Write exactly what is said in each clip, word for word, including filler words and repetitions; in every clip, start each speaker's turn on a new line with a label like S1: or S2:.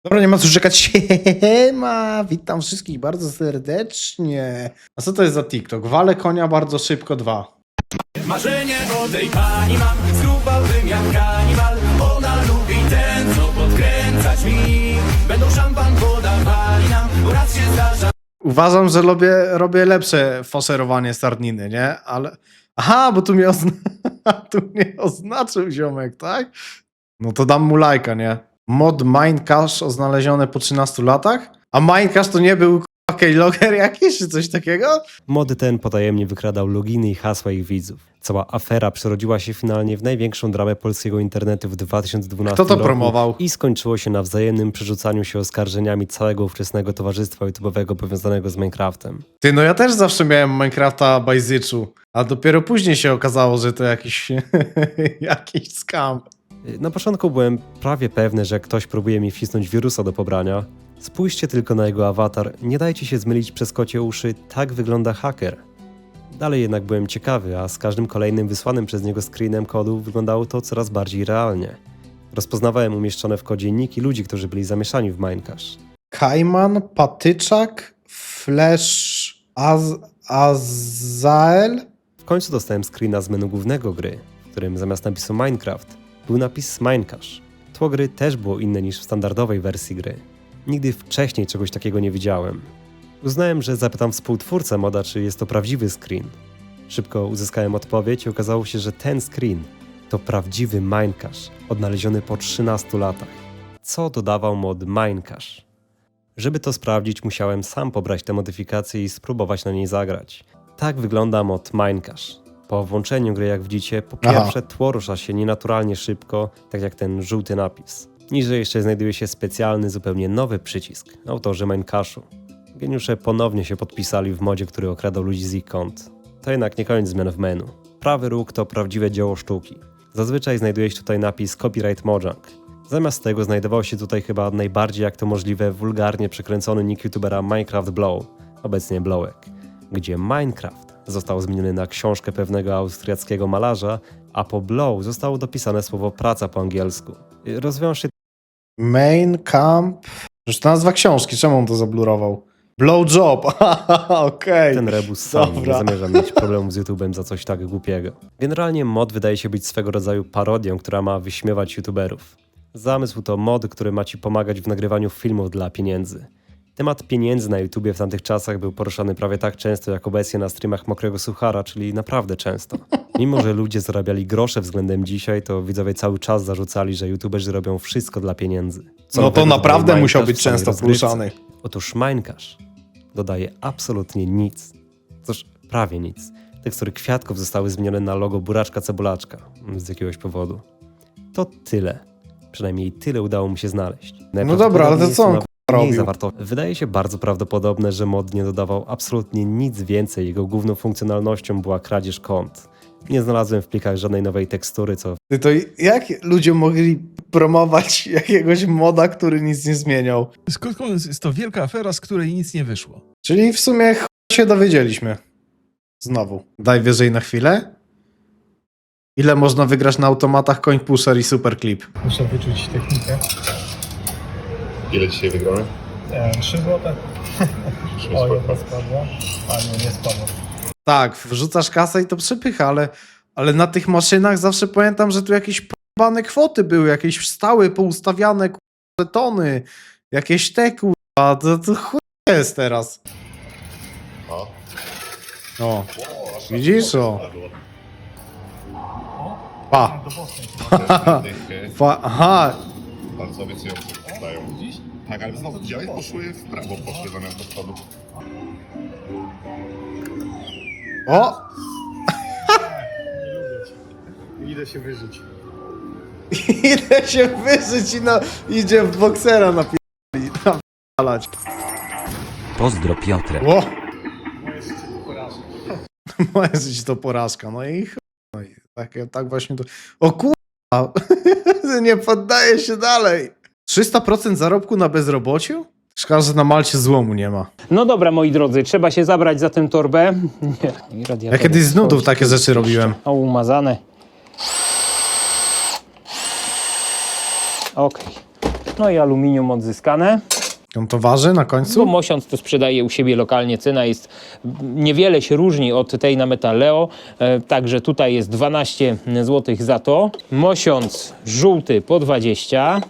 S1: Dobra, nie ma co czekać. Siema, witam wszystkich bardzo serdecznie. A co to jest za TikTok? Walę konia bardzo szybko dwa.
S2: Marzenie o tej pani mam, zgrubałbym jak kanibal. Ona lubi ten, co podkręcać mi. Będą szampan podawali nam, bo raz się zdarza.
S1: Uważam, że robię, robię lepsze faszerowanie stardniny, nie? Ale... Aha, bo tu mnie, ozna... tu mnie oznaczył ziomek, tak? No to dam mu lajka, nie? Mod Minecache znaleziony po trzynastu latach? A Minecache to nie był k***a keylogger jakiś, czy coś takiego?
S3: Mod ten potajemnie wykradał loginy i hasła ich widzów. Cała afera przerodziła się finalnie w największą dramę polskiego internetu w dwa tysiące dwunastym
S1: Kto to
S3: roku
S1: promował?
S3: i skończyło się na wzajemnym przerzucaniu się oskarżeniami całego ówczesnego towarzystwa YouTube'owego powiązanego z Minecraftem.
S1: Ty, no ja też zawsze miałem Minecrafta bajzyczu, a dopiero później się okazało, że to jakiś, jakiś scam.
S3: Na początku byłem prawie pewny, że ktoś próbuje mi wcisnąć wirusa do pobrania. Spójrzcie tylko na jego awatar, nie dajcie się zmylić przez kocie uszy, tak wygląda haker. Dalej jednak byłem ciekawy, a z każdym kolejnym wysłanym przez niego screenem kodu wyglądało to coraz bardziej realnie. Rozpoznawałem umieszczone w kodzie niki ludzi, którzy byli zamieszani w Minecache.
S1: Kajman, Patyczak, Flash, Az Azael?
S3: W końcu dostałem screena z menu głównego gry, w którym zamiast napisu Minecraft był napis Minecache. Tło gry też było inne niż w standardowej wersji gry. Nigdy wcześniej czegoś takiego nie widziałem. Uznałem, że zapytam współtwórcę moda, czy jest to prawdziwy screen. Szybko uzyskałem odpowiedź i okazało się, że ten screen to prawdziwy Minecache, odnaleziony po trzynastu latach. Co dodawał mod Minecache? Żeby to sprawdzić, musiałem sam pobrać tę modyfikację i spróbować na niej zagrać. Tak wygląda mod Minecache. Po włączeniu gry, jak widzicie, po pierwsze
S1: Aha.
S3: tło rusza się nienaturalnie szybko, tak jak ten żółty napis. Niżej jeszcze znajduje się specjalny, zupełnie nowy przycisk, autorzy Minecache'u. Geniusze ponownie się podpisali w modzie, który okradał ludzi z ich kont. To jednak nie koniec zmian w menu. Prawy róg to prawdziwe dzieło sztuki. Zazwyczaj znajduje się tutaj napis Copyright Mojang. Zamiast tego znajdował się tutaj chyba najbardziej jak to możliwe wulgarnie przekręcony nick youtubera Minecraft Blow, obecnie Blowek, gdzie Minecraft został zmieniony na książkę pewnego austriackiego malarza, a po Blow zostało dopisane słowo praca po angielsku. Rozwiąż się
S1: Main Camp. Już to nazwa książki, czemu on to zablurował? Blowjob, okej.
S3: ten rebus sam, nie
S1: Dobra.
S3: zamierzam mieć problemów z YouTube'em za coś tak głupiego. Generalnie mod wydaje się być swego rodzaju parodią, która ma wyśmiewać YouTuberów. Zamysł to mod, który ma ci pomagać w nagrywaniu filmów dla pieniędzy. Temat pieniędzy na YouTubie w tamtych czasach był poruszany prawie tak często jak obecnie na streamach Mokrego Suchara, czyli naprawdę często. Mimo że ludzie zarabiali grosze względem dzisiaj, to widzowie cały czas zarzucali, że YouTuberzy robią wszystko dla pieniędzy. Co
S1: No to
S3: nowego
S1: naprawdę
S3: dodaje
S1: musiał
S3: Minecache
S1: być
S3: w samej
S1: często
S3: rozgrywce?
S1: poruszany.
S3: Otóż Minecache dodaje absolutnie nic. Cóż, prawie nic. Tekstury kwiatków zostały zmienione na logo buraczka cebulaczka z jakiegoś powodu. To tyle. Przynajmniej tyle udało mu się znaleźć.
S1: No dobra, ale to co on k***a
S3: Mniej
S1: robił?
S3: zawarto. Wydaje się bardzo prawdopodobne, że mod nie dodawał absolutnie nic więcej. Jego główną funkcjonalnością była kradzież kont. Nie znalazłem w plikach żadnej nowej tekstury, co
S1: Ty, to jak ludzie mogli promować jakiegoś moda, który nic nie zmieniał?
S4: Skąd jest to wielka afera, z której nic nie wyszło?
S1: Czyli w sumie ch... się dowiedzieliśmy. Znowu. Daj wyżej na chwilę. Ile można wygrać na automatach Coin Pusher i Superclip?
S5: Muszę wyczuć technikę.
S6: Ile dzisiaj wygramy?
S5: E, trzy złote.
S6: Trzy
S5: O,
S6: złote.
S5: jedna spadła. A nie, nie spadła.
S1: Tak, wrzucasz kasę i to przepycha, ale, ale na tych maszynach zawsze pamiętam, że tu jakieś p***bane kwoty były, jakieś stałe, poustawiane k***a, tony, jakieś te k***a, to, to chuj jest teraz.
S6: O.
S1: O, widzisz o? Pa,
S6: Dychy
S1: pa, aha,
S6: bardzo obiecująco dają. Tak, ale znowu widziałeś? Poszły w prawo, poszły zamiast do przodu.
S1: o,
S5: Idę się wyżyć.
S1: idę się wyżyć i no, idzie w boksera napi***li, napalać.
S7: Pozdro Piotrek.
S1: O,
S5: Moje życie to porażka.
S1: moje życie to porażka, no i chuj, no i tak, tak właśnie to, o kurwa, nie poddaję się dalej. trzysta procent zarobku na bezrobociu? Szkoda, że na Malcie złomu nie ma.
S8: No dobra, moi drodzy, trzeba się zabrać za tę torbę. Nie, i radiator
S1: Ja kiedyś z nudów
S8: otworzyć.
S1: takie rzeczy robiłem.
S8: O, umazane. Okej. No i aluminium odzyskane.
S1: On to waży na
S8: Bo
S1: końcu?
S8: Mosiąc to sprzedaje u siebie lokalnie, cena jest, niewiele się różni od tej na Metalleo, e, także tutaj jest dwanaście złotych za to. Mosiąc żółty po dwadzieścia,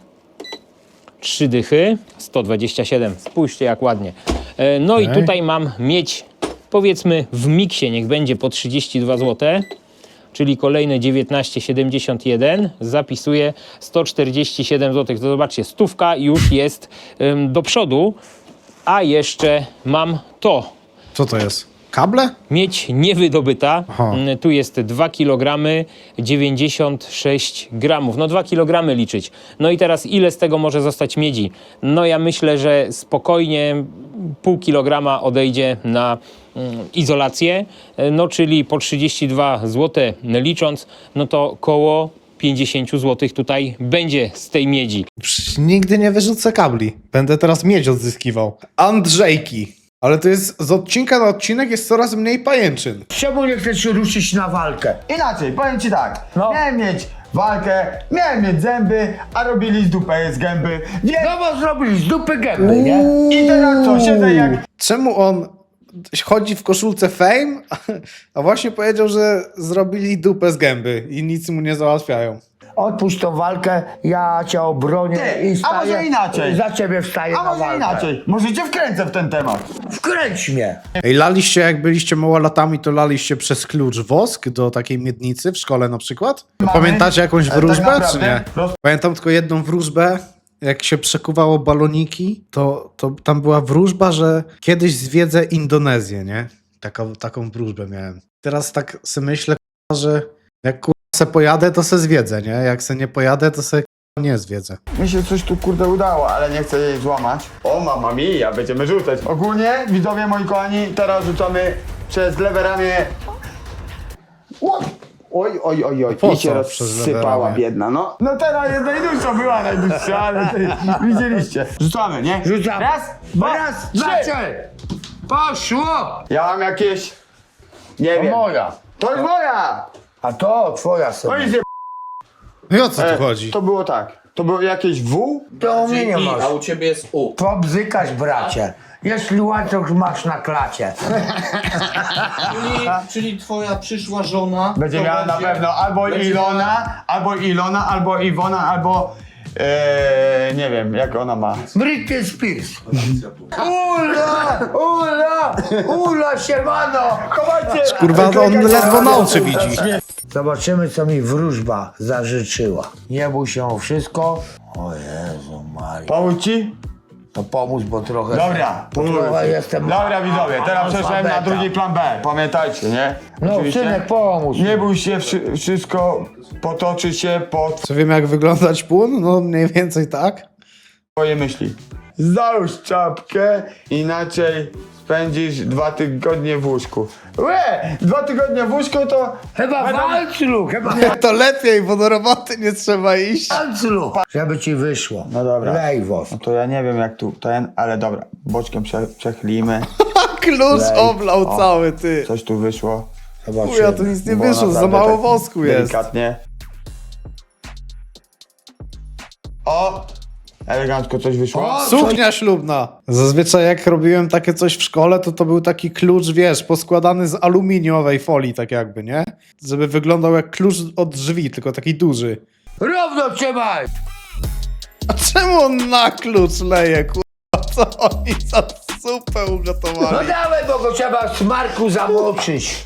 S8: trzy dychy, sto dwadzieścia siedem, spójrzcie jak ładnie. E, no
S1: Okej.
S8: i tutaj mam miedź, powiedzmy w miksie, niech będzie po trzydzieści dwa złote, czyli kolejne dziewiętnaście siedemdziesiąt jeden, zapisuję sto czterdzieści siedem złotych. To zobaczcie, stówka już jest ym, do przodu, a jeszcze mam to.
S1: Co to jest? Kable?
S8: Miedź niewydobyta.
S1: Aha.
S8: Mm, Tu jest dwa kilogramy dziewięćdziesiąt sześć gramów. No dwa kilogramy liczyć. No i teraz ile z tego może zostać miedzi? No ja myślę, że spokojnie pół kilograma odejdzie na mm, izolację. E, No czyli po trzydzieści dwa złote licząc, no to koło pięćdziesiąt złotych tutaj będzie z tej miedzi.
S1: Przecież nigdy nie wyrzucę kabli. Będę teraz miedź odzyskiwał. Andrzejki. Ale to jest, z odcinka na odcinek jest coraz mniej pajęczyn.
S9: Czemu nie chcesz się ruszyć na walkę?
S10: Inaczej, powiem ci tak, miałem mieć walkę, miałem mieć zęby, a robili z dupę z gęby, więc...
S9: No bo zrobisz z dupy gęby, nie?
S10: I teraz co, siedzę jak...
S1: Czemu on chodzi w koszulce Fame, a właśnie powiedział, że zrobili dupę z gęby i nic mu nie załatwiają.
S9: Odpuść tą walkę, ja cię obronię
S10: Ty,
S9: i
S10: a
S9: staję,
S10: może inaczej?
S9: za ciebie wstaję
S10: A
S9: na
S10: może
S9: walkę.
S10: inaczej, może cię wkręcę w ten temat.
S9: Wkręć mnie.
S1: Ej, laliście, jak byliście małolatami, to laliście przez klucz wosk do takiej miednicy w szkole na przykład?
S10: Mamy.
S1: Pamiętacie jakąś
S10: Ale tak
S1: wróżbę, czy
S10: naprawdę
S1: nie?
S10: roz-
S1: Pamiętam tylko jedną wróżbę, jak się przekuwało baloniki, to, to tam była wróżba, że kiedyś zwiedzę Indonezję, nie? Taką, taką wróżbę miałem. Teraz tak sobie myślę, k***a, że jak k***a se pojadę, to se zwiedzę, nie? Jak se nie pojadę, to se k***a nie zwiedzę.
S10: Mi się coś tu kurde udało, ale nie chcę jej złamać. O mama mia, będziemy rzucać. Ogólnie, widzowie moi kochani, teraz rzucamy przez lewe ramię. Oj, oj, oj, oj, oj.
S1: Po
S10: I się
S1: co przez lewe
S10: rozsypała
S1: ramię?
S10: biedna, no. No teraz jest najdłuższa, była najdłuższa, ale ty, widzieliście. Rzucamy, nie?
S9: Rzucamy.
S10: Raz, dwa,
S9: Raz,
S10: trzy.
S9: dwa, trzy. Poszło!
S10: Ja mam jakieś, nie
S9: To
S10: wiem.
S9: moja.
S10: To jest moja!
S9: A to twoja sobie.
S10: Oj, zje...
S1: No i o co
S10: E,
S1: tu chodzi?
S10: To było tak. To było jakieś W?
S9: To u mnie nie masz.
S11: A u ciebie jest U.
S9: Pobzykasz, bracie. Jeśli łańcuch masz na klacie.
S11: Czyli, czyli twoja przyszła żona.
S10: Będzie
S11: to
S10: miała na
S11: będzie-
S10: pewno albo
S11: będzie
S10: Ilona, albo Ilona, albo Iwona, albo e, nie wiem, jak ona ma.
S9: Britney Spears. Ula! Ula! Ula, siemano!
S10: Chowajcie!
S1: Kurwa, on ledwo na oczy widzi.
S9: Zobaczymy, co mi wróżba zażyczyła. Nie bój się o wszystko. O Jezu Maria.
S10: Pomóc ci?
S9: To pomóc, bo trochę...
S10: Dobra.
S9: Bo trochę jestem...
S10: Dobra widzowie, teraz przeszłem na
S9: analfabeta.
S10: drugi plan B. Pamiętajcie, nie?
S9: No,
S10: Oczywiście.
S9: synek, pomóż.
S10: Nie bój się, wszy- wszystko potoczy się pod
S1: Co wiem, jak wyglądać płyn? No mniej więcej tak.
S10: twoje myśli. Załóż czapkę, inaczej spędzisz dwa tygodnie w łóżku. Łe! Dwa tygodnie w łóżku to...
S9: Chyba
S10: Będą-
S9: walclu, chyba
S1: To lepiej, bo do roboty nie trzeba iść.
S9: walclu. Żeby ci wyszło.
S10: No dobra.
S9: Lej wos.
S10: No to ja nie wiem jak tu ten, ale dobra. Boczkiem prze, przechlimy.
S1: Klucz
S10: Lej.
S1: oblał
S10: O.
S1: cały, ty.
S10: Coś tu wyszło.
S1: Chuja, to nic nie
S10: Bo
S1: wyszło, za
S10: naprawdę
S1: mało
S10: tak
S1: wosku jest.
S10: Delikatnie. O! Elegancko coś wyszło.
S1: Suknia ślubna. Zazwyczaj jak robiłem takie coś w szkole, to to był taki klucz, wiesz, poskładany z aluminiowej folii, tak jakby, nie? Żeby wyglądał jak klucz od drzwi, tylko taki duży.
S9: Równo trzymaj!
S1: A czemu on na klucz leje, kurwa? Co oni za supę
S9: No
S1: ugotowali?
S9: dawaj, bo go trzeba w smarku zamoczyć.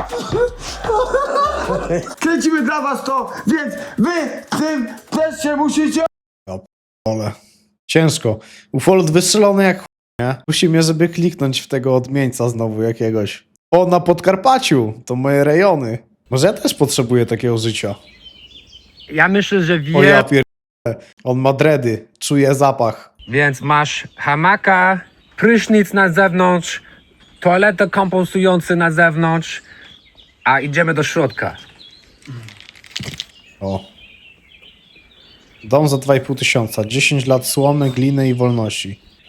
S10: Kręcimy dla was to, więc wy w tym też się musicie...
S1: Ole. Ciężko. Ufold wystrzelony jak chuj, nie? Musi mnie, żeby kliknąć w tego odmieńca znowu jakiegoś. O, na Podkarpaciu. To moje rejony. Może ja też potrzebuję takiego życia.
S12: Ja myślę, że
S1: O ja
S12: wie,
S1: pier... On ma dredy. Czuje zapach.
S12: więc masz hamaka, prysznic na zewnątrz, toaletę kompostujący na zewnątrz, a idziemy do środka.
S1: O. Dom za dwa i pół tysiąca. dziesięć lat słomy, gliny i wolności.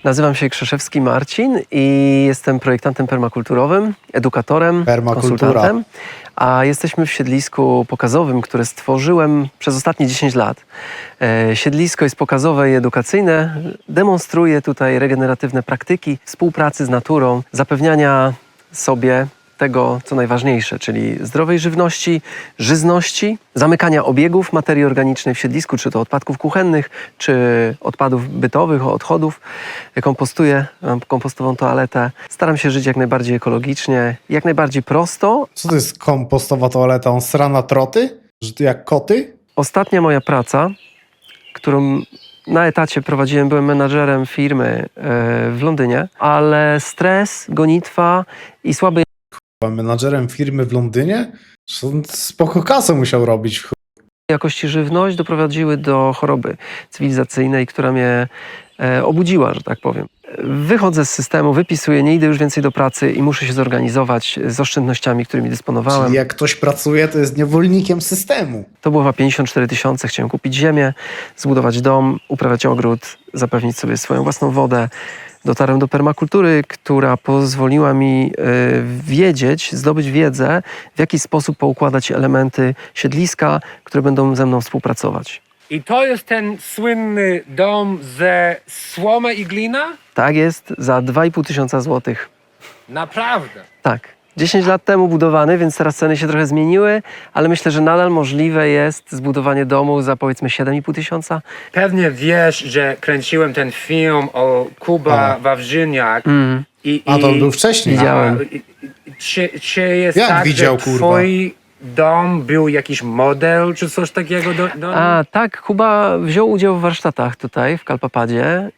S13: Nazywam się Krzeszewski Marcin i jestem projektantem permakulturowym, edukatorem,
S1: Permakultura.
S13: konsultantem, a jesteśmy w siedlisku pokazowym, które stworzyłem przez ostatnie dziesięć lat. E, siedlisko jest pokazowe i edukacyjne, demonstruje tutaj regeneratywne praktyki współpracy z naturą, zapewniania sobie tego, co najważniejsze, czyli zdrowej żywności, żyzności, zamykania obiegów materii organicznej w siedlisku, czy to odpadków kuchennych, czy odpadów bytowych, odchodów. Kompostuję, mam kompostową toaletę. Staram się żyć jak najbardziej ekologicznie, jak najbardziej prosto.
S1: Co to jest kompostowa toaleta? On sra na troty? Że ty jak koty?
S13: Ostatnia moja praca, którą na etacie prowadziłem, byłem menadżerem firmy e, w Londynie, ale stres, gonitwa i słabe
S1: Menadżerem firmy w Londynie? On spoko kasę musiał robić. w
S13: jakości żywność doprowadziły do choroby cywilizacyjnej, która mnie e, obudziła, że tak powiem. Wychodzę z systemu, wypisuję, nie idę już więcej do pracy i muszę się zorganizować z oszczędnościami, którymi dysponowałem.
S1: Czyli jak ktoś pracuje, to jest niewolnikiem systemu.
S13: To było chyba pięćdziesiąt cztery tysiące. Chciałem kupić ziemię, zbudować dom, uprawiać ogród, zapewnić sobie swoją własną wodę. Dotarłem do permakultury, która pozwoliła mi y, wiedzieć, zdobyć wiedzę, w jaki sposób poukładać elementy siedliska, które będą ze mną współpracować.
S12: I to jest ten słynny dom ze słomy i glina?
S13: Tak jest, za dwa i pół tysiąca złotych.
S12: Naprawdę.
S13: Tak. dziesięć lat temu budowany, więc teraz ceny się trochę zmieniły, ale myślę, że nadal możliwe jest zbudowanie domu za powiedzmy siedem i pół tysiąca.
S12: Pewnie wiesz, że kręciłem ten film o Kuba
S1: A.
S12: Wawrzyniak.
S13: Mm.
S12: I,
S1: A to
S12: i-
S1: był wcześniej.
S13: Widziałem.
S12: A, i- i- Czy, czy jest
S1: Jak
S12: tak,
S1: widział,
S12: że
S1: kurwa?
S12: twój dom był jakiś model, czy coś takiego? Do, do...
S13: A tak, Kuba wziął udział w warsztatach tutaj w Kalpapadzie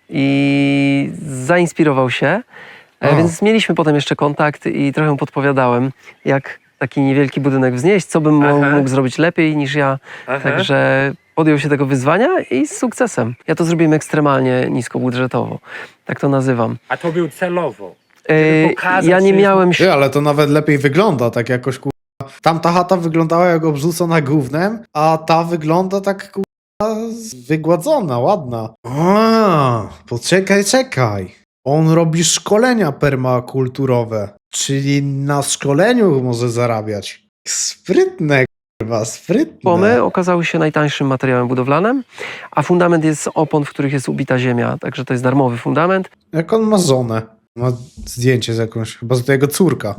S13: i zainspirował się, e,
S1: O.
S13: więc mieliśmy potem jeszcze kontakt i trochę mu podpowiadałem, jak taki niewielki budynek wznieść, co bym mo-
S12: Aha.
S13: mógł zrobić lepiej niż ja.
S12: Aha.
S13: Także podjął się tego wyzwania i z sukcesem. Ja to zrobiłem ekstremalnie niskobudżetowo, tak to nazywam.
S12: A to był celowo.
S13: E,
S12: pokazać,
S13: ja nie
S12: że-
S13: miałem
S1: Ty, ale to nawet lepiej wygląda, tak jakoś kurwa. Tamta chata wyglądała jak obrzucona gównem, a ta wygląda tak kurwa wygładzona, ładna. A, poczekaj, czekaj. On robi szkolenia permakulturowe, czyli na szkoleniu może zarabiać. Sprytne, kurwa, sprytne.
S13: Płomy okazały się najtańszym materiałem budowlanym, a fundament jest z opon, w których jest ubita ziemia, także to jest darmowy fundament.
S1: Jak on ma żonę? Ma zdjęcie z jakąś, chyba z jego córka.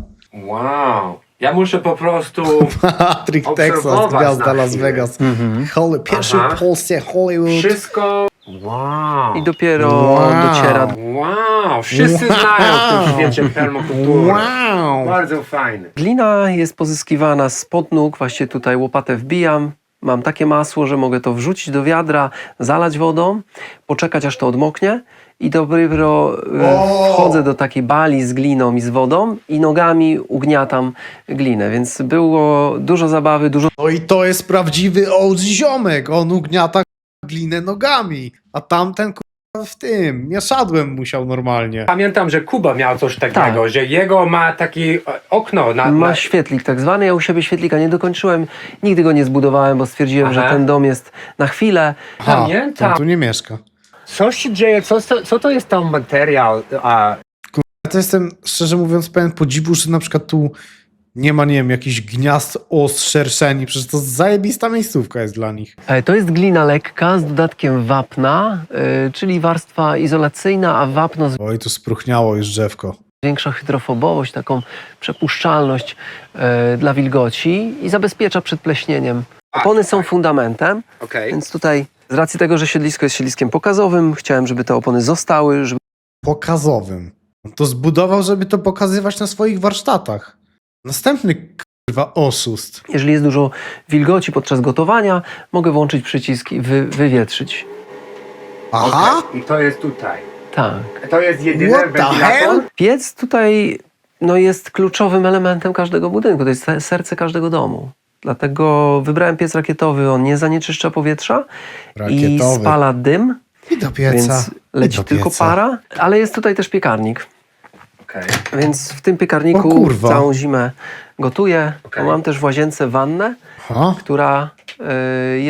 S12: Wow. Ja muszę po prostu...
S1: Patrick Texas,
S12: Obserwować
S1: gwiazda
S12: na
S1: Las
S12: chwilę.
S1: Vegas. Holly, pierwszy
S12: Aha.
S1: w Polsce Hollywood.
S12: Wszystko... Wow.
S13: I dopiero
S1: Wow.
S13: dociera.
S12: Wow. Wszyscy
S1: Wow.
S12: znają w tym świecie permakulturę.
S1: Wow!
S12: Bardzo fajny.
S13: Glina jest pozyskiwana spod nóg, właśnie tutaj łopatę wbijam. Mam takie masło, że mogę to wrzucić do wiadra, zalać wodą, poczekać aż to odmoknie i dopiero e,
S1: O!
S13: wchodzę do takiej bali z gliną i z wodą i nogami ugniatam glinę, więc było dużo zabawy, dużo
S1: No i to jest prawdziwy O G ziomek. On ugniata glinę nogami, a tamten kurwa w tym, mieszadłem musiał normalnie.
S12: Pamiętam, że Kuba miał coś takiego,
S13: Tak.
S12: że jego ma takie e, okno na...
S13: Ma
S12: na...
S13: świetlik tak zwany, ja u siebie świetlika nie dokończyłem, nigdy go nie zbudowałem, bo stwierdziłem,
S12: Aha.
S13: że ten dom jest na chwilę.
S1: Ha,
S12: Pamiętam.
S1: on tu nie mieszka.
S12: Co się dzieje? Co, co, co to jest tam materiał? A,
S1: Ja to jestem, szczerze mówiąc, pełen podziwu, że na przykład tu nie ma, nie wiem, jakichś gniazd os szerszeni, przecież to zajebista miejscówka jest dla nich.
S13: E, To jest glina lekka z dodatkiem wapna, y, czyli warstwa izolacyjna, a wapno
S1: Oj, tu spruchniało już drzewko.
S13: zwiększa hydrofobowość, taką przepuszczalność y, dla wilgoci i zabezpiecza przed pleśnieniem. Opony są fundamentem,
S12: okej.
S13: więc tutaj z racji tego, że siedlisko jest siedliskiem pokazowym, chciałem, żeby te opony zostały, żeby
S1: Pokazowym. On to zbudował, żeby to pokazywać na swoich warsztatach. Następny kurwa oszust.
S13: jeżeli jest dużo wilgoci podczas gotowania, mogę włączyć przycisk i wy, wywietrzyć.
S1: Aha!
S12: I to jest tutaj.
S13: Tak.
S12: To jest jedyny
S1: What the
S12: wentylator?
S1: hell?
S13: Piec tutaj no, jest kluczowym elementem każdego budynku, to jest se- serce każdego domu. Dlatego wybrałem piec rakietowy, on nie zanieczyszcza powietrza i
S1: Rakietowy.
S13: spala dym,
S1: I do pieca.
S13: więc leci
S1: I do
S13: tylko
S1: pieca.
S13: para, ale jest tutaj też piekarnik.
S12: Okej.
S13: Więc w tym
S1: O
S13: piekarniku
S1: kurwa.
S13: całą zimę gotuję.
S12: Okej.
S13: Mam też w łazience wannę,
S1: Aha.
S13: która y, jest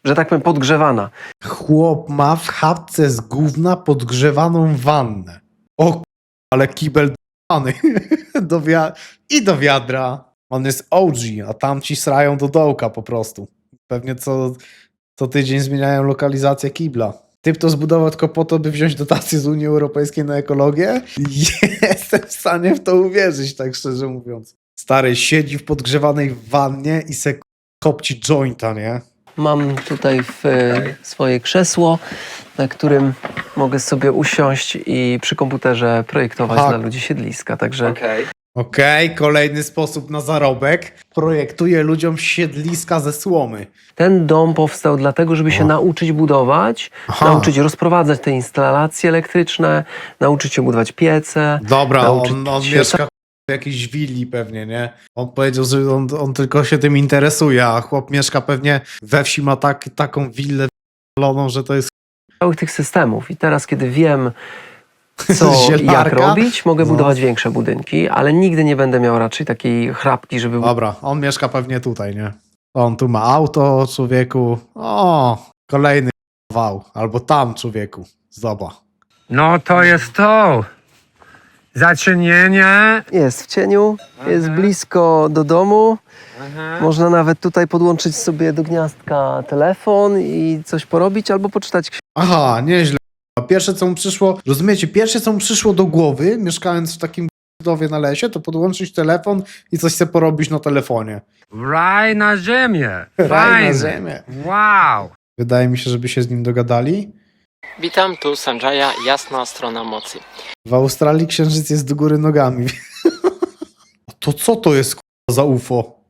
S13: że tak powiem, podgrzewana.
S1: Chłop ma w chatce z gówna podgrzewaną wannę. O k***, ale kibel d***any. do wia- I do wiadra. On jest O G, a tamci srają do dołka po prostu. Pewnie co, co tydzień zmieniają lokalizację kibla. Typ to zbudował tylko po to, by wziąć dotacje z Unii Europejskiej na ekologię? Jestem w stanie w to uwierzyć, tak szczerze mówiąc. Stary siedzi w podgrzewanej wannie i se kopci jointa, nie?
S13: Mam tutaj w, e, swoje krzesło, na którym mogę sobie usiąść i przy komputerze projektować
S1: Aha.
S13: dla ludzi siedliska. Także
S1: Okej, okay, kolejny sposób na zarobek. Projektuje ludziom siedliska ze słomy.
S13: ten dom powstał dlatego, żeby się
S1: O.
S13: nauczyć budować,
S1: Aha.
S13: nauczyć rozprowadzać te instalacje elektryczne, nauczyć się budować piece.
S1: Dobra,
S13: nauczyć
S1: on, on
S13: się
S1: mieszka w jakiejś willi pewnie, nie? On powiedział, że on, on tylko się tym interesuje, a chłop mieszka pewnie we wsi, ma tak, taką willę w***loną, że to jest
S13: całych tych systemów. I teraz, kiedy wiem, co jak
S1: Zielarka?
S13: robić, mogę
S1: No.
S13: budować większe budynki, ale nigdy nie będę miał raczej takiej chrapki, żeby...
S1: Dobra, on mieszka pewnie tutaj, nie? On tu ma auto, człowieku. O, kolejny wał. Albo tam, człowieku. Zobacz.
S12: No to jest to. Zacienienie.
S13: Jest w cieniu, jest blisko do domu. Można nawet tutaj podłączyć sobie do gniazdka telefon i coś porobić albo poczytać książkę.
S1: Aha, nieźle. Pierwsze, co mu przyszło, rozumiecie, pierwsze, co mu przyszło do głowy, mieszkając w takim dowie na lesie, to podłączyć telefon i coś sobie porobić na telefonie.
S12: Raj na ziemię.
S1: Raj na
S12: Fajne.
S1: ziemię.
S12: Wow.
S1: Wydaje mi się, żeby się z nim dogadali.
S14: Witam, tu Sanjaya, jasna strona mocy.
S1: W Australii księżyc jest do góry nogami. To co to jest k***a, za U F O?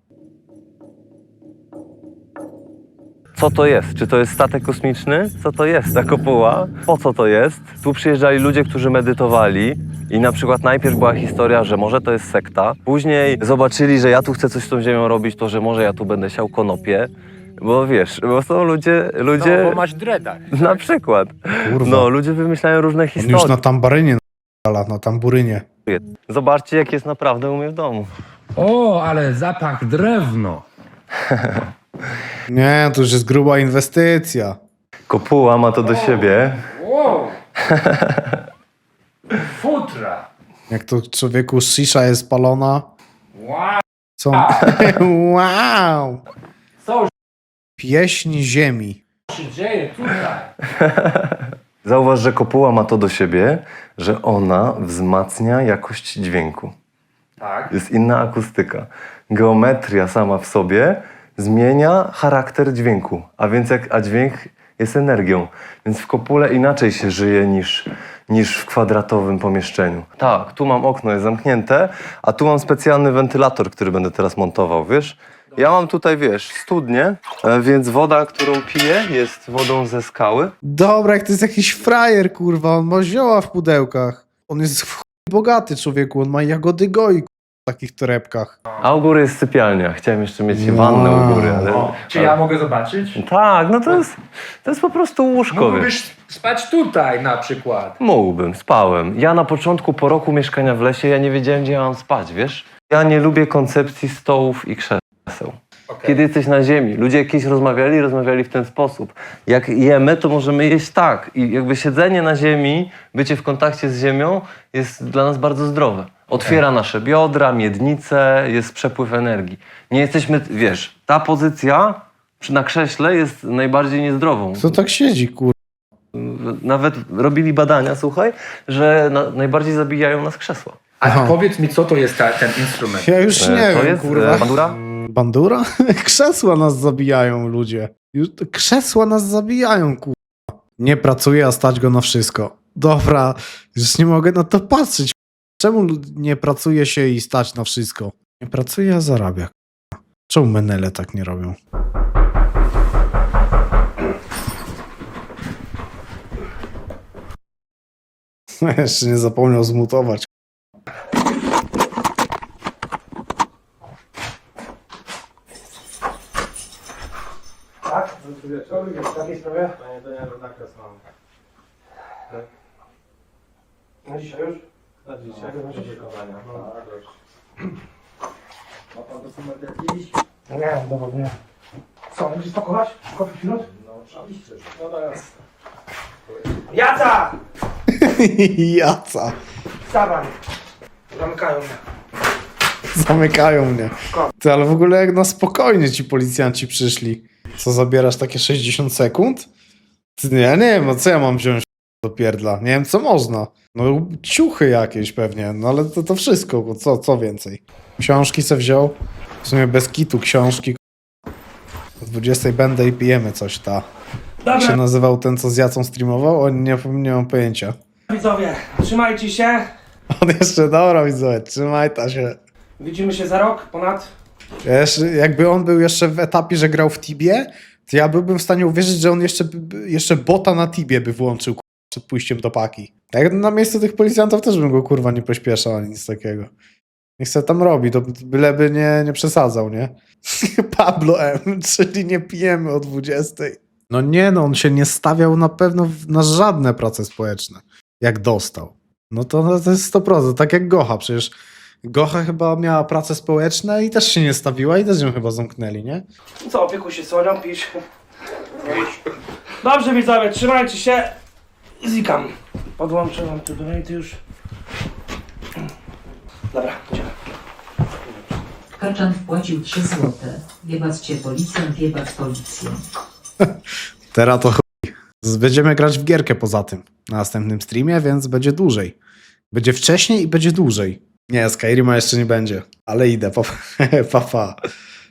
S15: Co to jest? Czy to jest statek kosmiczny? Co to jest ta kopuła? Po co to jest? Tu przyjeżdżali ludzie, którzy medytowali i na przykład najpierw była historia, że może to jest sekta. Później zobaczyli, że ja tu chcę coś z tą ziemią robić, to że może ja tu będę siał konopie. Bo wiesz, bo są ludzie... ludzie...
S12: No, bo masz dreadach.
S15: Na przykład.
S1: Kurwa.
S15: No, ludzie wymyślają różne
S1: On
S15: historie.
S1: już na tambarynie na, na tamburynie.
S15: Zobaczcie, jak jest naprawdę u mnie w domu.
S12: O, ale zapach drewno.
S1: Nie, to już jest gruba inwestycja.
S15: Kopuła ma to do siebie.
S12: Wow. Futra.
S1: Jak to człowieku shisha jest palona.
S12: Wow.
S1: Co? Wow!
S12: Co
S1: Pieśń ziemi.
S12: się dzieje tutaj?
S15: Zauważ, że kopuła ma to do siebie, że ona wzmacnia jakość dźwięku.
S12: Tak.
S15: Jest inna akustyka. Geometria sama w sobie zmienia charakter dźwięku, a więc jak, a dźwięk jest energią, więc w kopule inaczej się żyje niż, niż w kwadratowym pomieszczeniu. Tak, tu mam okno, jest zamknięte, a tu mam specjalny wentylator, który będę teraz montował, wiesz? Ja mam tutaj, wiesz, studnię, e, więc woda, którą piję, jest wodą ze skały.
S1: Dobra, jak to jest jakiś frajer, kurwa. On ma zioła w pudełkach. On jest w chuj bogaty, człowieku. On ma jagody goi, kurwa, w takich torebkach.
S15: A u góry jest sypialnia. Chciałem jeszcze mieć wannę u góry, ale...
S12: O, czy ja mogę zobaczyć?
S15: Tak, no to jest, to jest po prostu łóżko, wiesz.
S12: Mógłbyś spać tutaj na przykład.
S15: Mógłbym, spałem. Ja na początku, po roku mieszkania w lesie, ja nie wiedziałem, gdzie ja mam spać, wiesz? Ja nie lubię koncepcji stołów i krzeseł.
S12: Okay.
S15: Kiedy jesteś na ziemi, ludzie jakieś rozmawiali, rozmawiali w ten sposób. Jak jemy, to możemy jeść tak. I jakby siedzenie na ziemi, bycie w kontakcie z ziemią jest dla nas bardzo zdrowe. Otwiera nasze biodra, miednice, jest przepływ energii. Nie jesteśmy, wiesz, ta pozycja przy- na krześle jest najbardziej niezdrową.
S1: Kto tak siedzi, kurwa?
S15: Nawet robili badania, słuchaj, że na, najbardziej zabijają nas krzesła.
S12: A
S1: Aha.
S12: powiedz mi, co to jest ta, ten instrument?
S1: Ja już nie
S15: to
S1: wiem,
S15: jest
S1: kurwa.
S15: e, bandura?
S1: Bandura? Krzesła nas zabijają, ludzie. Już, krzesła nas zabijają, kurwa. Nie pracuje, a stać go na wszystko. Dobra, już nie mogę na to patrzeć. Czemu lu- nie pracuje się i stać na wszystko? Nie pracuje, a zarabia. kurwa. Czemu menele tak nie robią? Jeszcze nie zapomniał zmutować.
S5: Tak? W takiej sprawie? Panie Danielu, zakres mam. Na dzisiaj już? Na dzisiaj. Na dzisiaj wykonania. No, ma pan dokument jakiś? Nie, dowód nie. Co, będziesz pakować? Kopić minut? No. Jaca!
S1: Jaca.
S5: Wstawaj. Zamykają mnie.
S1: Zamykają mnie. Ty, ale w ogóle jak na spokojnie ci policjanci przyszli. Co, zabierasz takie sześćdziesiąt sekund? Ty, nie, ja nie wiem, no co ja mam wziąć do pierdla? Nie wiem, co można. No ciuchy jakieś pewnie, no ale to, to wszystko, bo co, co więcej? Książki se wziął. W sumie bez kitu książki. O dwudziestej będę i pijemy coś, ta. Jak się nazywał ten, co z Jacą streamował? O, nie, nie mam pojęcia.
S5: Widzowie, trzymajcie się.
S1: On jeszcze, dobra widzowie, trzymaj ta się.
S5: Widzimy się za rok, ponad.
S1: Ja jeszcze, jakby on był jeszcze w etapie, że grał w Tibie, to ja byłbym w stanie uwierzyć, że on jeszcze, jeszcze bota na Tibie by włączył kurwa, przed pójściem do paki. Tak na miejscu tych policjantów też bym go kurwa nie pośpieszał ani nic takiego. Niech se tam robi, to byleby nie, nie przesadzał, nie? Pablo M, czyli nie pijemy o dwudziestej. No nie no, on się nie stawiał na pewno w- na żadne prace społeczne, jak dostał. No to, no to jest sto procent, tak jak Gocha, przecież Gocha chyba miała prace społeczne i też się nie stawiła i też ją chyba zamknęli, nie?
S5: Co, opiekuj się słonią, pisz. Dobrze widzowie, trzymajcie się. Zikam. Podłączę wam tu donaty już. Dobra, idziemy.
S16: Kaczan wpłacił trzy złote. Jebać cię policjant, jebać policję.
S1: Teraz to chuj. Z- Będziemy grać w gierkę poza tym na następnym streamie, więc będzie dłużej. Będzie wcześniej i będzie dłużej. Nie, Skyrima jeszcze nie będzie, ale idę, pa pa. pa.